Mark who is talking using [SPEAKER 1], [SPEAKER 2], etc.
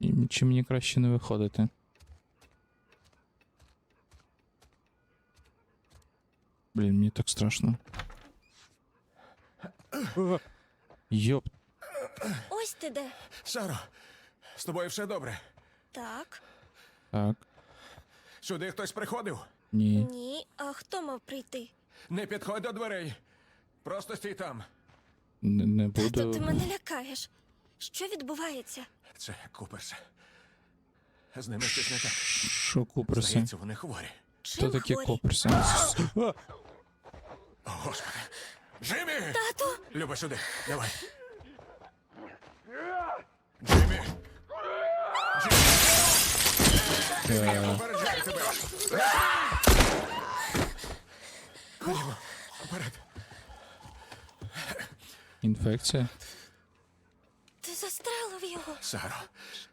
[SPEAKER 1] Чи мені краще не виходити? Блін, мені так страшно. Йоп.
[SPEAKER 2] Ось ти де.
[SPEAKER 3] Саро, з тобою все добре?
[SPEAKER 2] Так.
[SPEAKER 1] Так.
[SPEAKER 3] Сюди хтось приходив?
[SPEAKER 1] Ні.
[SPEAKER 2] Ні. А хто мав прийти?
[SPEAKER 3] Не підходь до дверей. Просто стій там.
[SPEAKER 1] Не
[SPEAKER 2] Тато, ти
[SPEAKER 1] буду.
[SPEAKER 2] мене лякаєш. Що відбувається?
[SPEAKER 3] Це Куперс. З ними щось не так.
[SPEAKER 1] Що куперси?
[SPEAKER 3] Здається, вони хворі.
[SPEAKER 2] Чим
[SPEAKER 1] Хто такі
[SPEAKER 2] хворі?
[SPEAKER 1] куперси?
[SPEAKER 3] О, Господи. Джиммі!
[SPEAKER 2] Тату!
[SPEAKER 3] Люба, сюди. Давай. Джиммі! Я попереджаю тебе. Ходімо. Вперед.
[SPEAKER 1] Інфекція?
[SPEAKER 2] Ти застрелив його.
[SPEAKER 3] Саро,